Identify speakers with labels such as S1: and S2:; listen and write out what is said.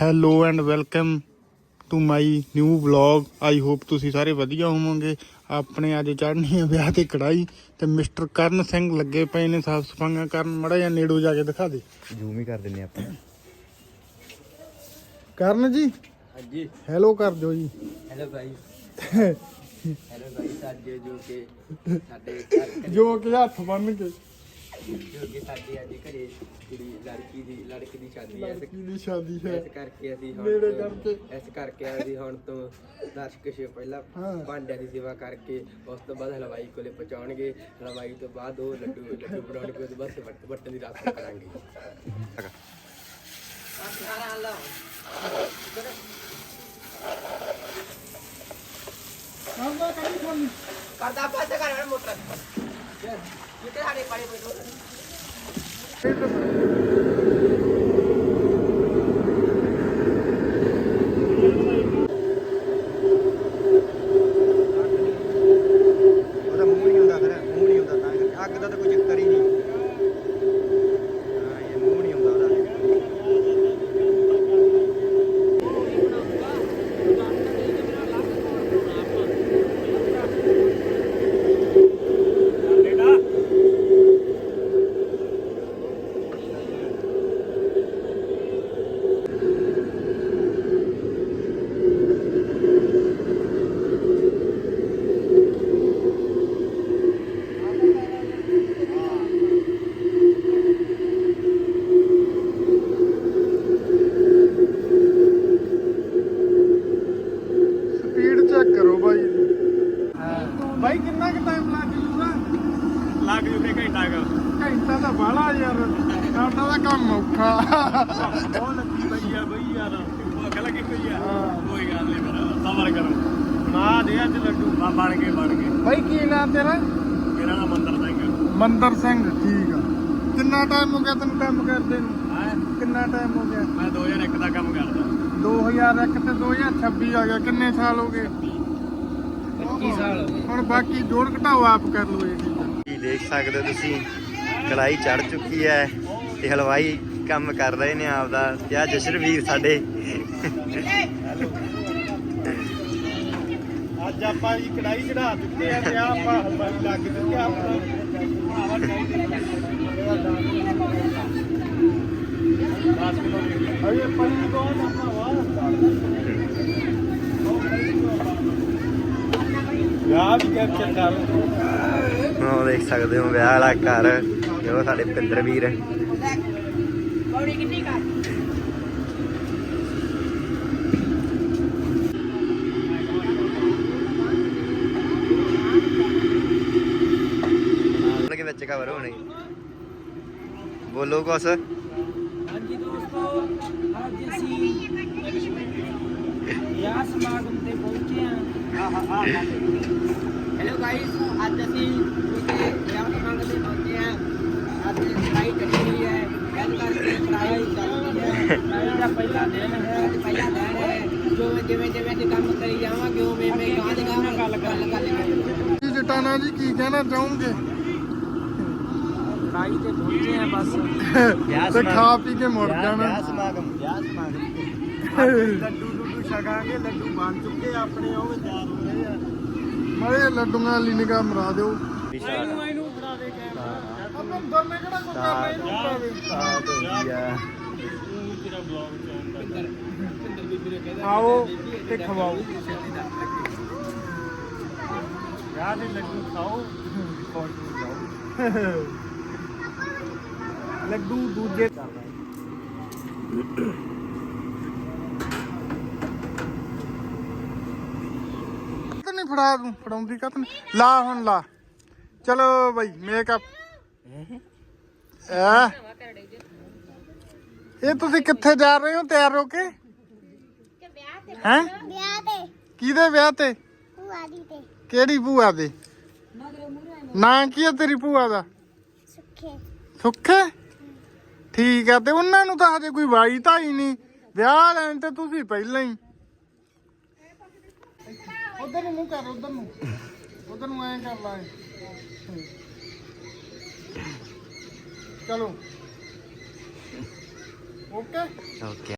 S1: Hello and welcome to my new vlog. I hope ਤੁਸੀਂ ਸਾਰੇ ਵਧੀਆ ਹੋਵੋਗੇ। ਆਪਣੇ ਅੱਜ ਚੜ੍ਹਨੀ ਆ ਵਿਆਹ ਤੇ ਕੜਾਈ ਤੇ ਮਿਸਟਰ ਕਰਨ ਸਿੰਘ ਲੱਗੇ ਪਏ ਨੇ ਸਾਫ ਸਫਾਈਆਂ ਕਰਨ। ਮੜਾ ਜਾਂ ਨੇੜੋ ਜਾ ਕੇ ਦਿਖਾ ਦੇ,
S2: ਜ਼ੂਮ ਹੀ ਕਰ ਦਿੰਨੇ ਆਪਾਂ।
S1: ਕਰਨ ਜੀ
S2: ਹਾਂਜੀ,
S1: ਹੈਲੋ ਕਰ ਦਿਓ ਜੀ।
S2: ਹੈਲੋ ਭਾਈ, ਹੈਲੋ ਭਾਈ। ਸਾਡੇ
S1: ਜੋ ਕਿ ਹੱਥ ਬੰਨ ਕੇ
S2: ਸਾਡੇ ਅੱਜ ਘਰੇ ਕੁੜੀ ਲੜਕੀ ਦੀ ਸ਼ਾਦੀ ਹੈ।
S1: ਦੀ ਸ਼ਾਦੀ ਹੈ,
S2: ਇਸ ਕਰਕੇ ਅਸੀਂ
S1: ਨੇੜੇ ਕਰਕੇ
S2: ਅਸੀਂ ਹੁਣ ਤੋਂ 10 ਕੁ ਪਹਿਲਾਂ ਭਾਂਡਿਆਂ ਦੀ ਸੇਵਾ ਕਰਕੇ ਉਸ ਤੋਂ ਬਾਅਦ ਹਲਵਾਈ ਕੋਲੇ ਪਹੁੰਚਾਉਣਗੇ। ਹਲਵਾਈ ਤੋਂ ਬਾਅਦ ਉਹ ਲੱਡੂ ਬਣਾਉਣਗੇ। ਉਹਦੇ ਬਾਅਦ ਵੱਟਣ ਦੀ ਰਸਮ ਕਰਾਂਗੇ। ਕਰਦਾ ਪਾਸੇ ਕਰ ਮੋਟਰ ਕਿਤੇ ਸਾਡੇ ਪਾਣੀ ਪਈ
S1: ਭਾਈ। ਕਿੰਨਾ ਕੁ ਟਾਈਮ ਲੱਗ ਜੂਗਾ?
S2: ਲੱਗ ਜੂਗੇ
S1: ਘੰਟਾ ਤਾਂ ਬਾਹਲਾ ਯਾਰ, ਸਾਡਾ ਦਾ ਕੰਮ ਔਖਾ।
S2: ਬਹੁਤ ਲੱਗੀ ਪਈ ਆ ਬਈ ਯਾਰ, ਭੁੱਖ ਲੱਗੀ ਪਈ ਆ। ਕੋਈ ਗੱਲ ਨਹੀਂ, ਪਰ ਸਬਰ ਕਰੋ। ਨਾ ਦੇ ਅੱਜ ਲੱਡੂ ਬਣ ਗਏ।
S1: ਭਾਈ ਕੀ ਨਾਮ ਤੇਰਾ?
S2: ਮੇਰਾ ਨਾਮ ਮੰਦਰ ਸਿੰਘ।
S1: ਮੰਦਰ ਸਿੰਘ, ਠੀਕ ਆ। ਕਿੰਨਾ ਟਾਈਮ ਹੋ ਗਿਆ ਤੈਨੂੰ ਕੰਮ ਕਰਦੇ ਨੂੰ? ਕਿੰਨਾ ਟਾਈਮ ਹੋ ਗਿਆ?
S2: ਮੈਂ 2001 ਦਾ ਕੰਮ ਕਰਦਾ।
S1: 2001 ਤੇ 2026 ਆ ਗਿਆ, ਕਿੰਨੇ ਸਾਲ ਹੋ ਗਏ?
S2: 25 ਸਾਲ।
S1: ਹੁਣ ਬਾਕੀ ਜੋੜ ਘਟਾਓ ਆਪ ਕਰ ਲਓ। ਇਹ ਠੀਕ ਆ।
S2: ਕੀ ਦੇਖ ਸਕਦੇ ਹੋ ਤੁਸੀਂ, ਕੜਾਈ ਚੜ ਚੁੱਕੀ ਹੈ ਤੇ ਹਲਵਾਈ ਕੰਮ ਕਰ ਰਹੇ ਨੇ ਆਪਦਾ। ਤੇ ਆ ਜਸ਼ਨਵੀਰ ਸਾਡੇ।
S1: ਅੱਜ ਆਪਾਂ ਜੀ ਕੜਾਈ ਚੜਾ ਦਿੱਤੇ ਆ ਤੇ ਆਪਾਂ ਹਲਵਾਈ ਲੱਗ ਚੁੱਕੇ ਆ ਆਪਣਾ। ਅਰੇ ਪਾਣੀ ਤੋਂ ਆਪਾਂ ਵਾਹ ਵਿਆਹ ਵੀ ਕੈਪਚਰ ਕਰ।
S2: ਉਹ ਦੇਖ ਸਕਦੇ ਹੋ ਵਿਆਹ ਵਾਲਾ ਘਰ, ਜੋ ਸਾਡੇ ਭਿੰਦਰ ਵੀਰ।
S3: ਪੌੜੀ ਕਿੰਨੀ ਕਰ
S2: ਉਹਨਾਂ ਦੇ ਵਿੱਚ ਕਵਰ ਹੋਣੇ। ਬੋਲੋ ਕੁਛ।
S3: ਹਾਂਜੀ ਦੋਸਤੋ, ਅੱਜ ਅਸੀਂ ਵਿਆਹ ਸਮਾਗਮ ਤੇ ਪਹੁੰਚੇ ਹਾਂ। ਹੈਲੋ ਗਾਇਸ, ਅੱਜ ਅਸੀਂ ਕਿਸੇ ਵਿਆਹ ਸਮਾਗਮ ਤੇ ਪਹੁੰਚੇ ਹਾਂ। ਅੱਜ ਕੜਾਈ ਚੜੀ ਹੋਈ ਹੈ, ਗੱਲ ਕਰਕੇ ਕੜਾਈ ਚੱਲਦੀ ਹੈ। ਕੜਾਈ ਦਾ ਪਹਿਲਾ ਦਿਨ ਹੈ। ਜਿਵੇਂ ਅਸੀਂ ਕੰਮ ਕਰੀ ਜਾਵਾਂਗੇ ਉਵੇਂ ਗੱਲ ਕਰ
S1: ਜਟਾਣਾ ਜੀ ਕੀ ਕਹਿਣਾ ਚਾਹੋਗੇ?
S3: ਕੜਾਈ ਤੇ ਪਹੁੰਚੇ ਹਾਂ ਬਸ।
S1: ਤੇ ਖਾ ਪੀ ਕੇ ਮੁੜ ਜਾਣਾ।
S2: ਵਿਆਹ ਸਮਾਗਮ
S1: ਲੱਡੂ ਛਕਾਂਗੇ। ਲੱਡੂ ਬਣ ਚੁੱਕੇ ਆਪਣੇ, ਉਹ ਤਿਆਰ ਹੋ ਰਹੇ ਆ। ਮੜੇ ਲੱਡੂਆਂ ਵਾਲੀ ਨਿਗਾਹ ਮਰਾ ਦਿਓ।
S3: ਇਹਨੂੰ ਫੜਾ ਦੇ ਕੈਮਰਾ।
S1: ਆਪਾਂ ਅੰਦਰ ਨੇ ਕਿਹੜਾ ਕੋਈ ਕਰਨਾ, ਇਹਨੂੰ ਫੜਾ ਦੇ। ਆਓ ਤੇ ਖਵਾਓ।
S2: ਵਿਆਹ ਦੇ ਲੱਡੂ ਖਾਓ,
S1: ਲੱਡੂ ਦੂਜੇ ਨਹੀਂ ਫੜਾਉਂਦੀ ਕਤ ਨਹੀਂ। ਲਾ ਹੁਣ ਲਾ। ਚਲੋ ਬਈ ਮੇਕਅਪ। ਇਹ ਤੁਸੀਂ ਕਿੱਥੇ ਜਾ ਰਹੇ ਹੋ ਤਿਆਰ ਹੋ ਕੇ? ਹੈਂ?
S4: ਵਿਆਹ ਤੇ
S1: ਕਿਹਦੇ ਵਿਆਹ ਤੇ?
S4: ਭੂਆ ਦੀ ਤੇ
S1: ਕਿਹੜੀ ਭੂਆ ਦੇ? ਨਾਂ ਕੀ ਹੈ ਤੇਰੀ ਭੂਆ ਦਾ?
S4: ਸੁੱਖੇ
S1: ਸੁੱਖੇ, ਠੀਕ ਆ। ਤੇ ਉਹਨਾਂ ਨੂੰ ਤਾਂ ਹਜੇ ਕੋਈ ਵਾਈ ਤਾਂ ਹੀ ਨਹੀਂ। ਵਿਆਹ ਲੈਣ ਤੇ ਤੁਸੀਂ ਪਹਿਲਾਂ ਹੀ। ਉਧਰ ਨੂੰ ਮੂੰਹ ਕਰ, ਉਧਰ ਨੂੰ ਐਂ ਕਰ ਲਾ। ਚਲੋ ਓਕੇ।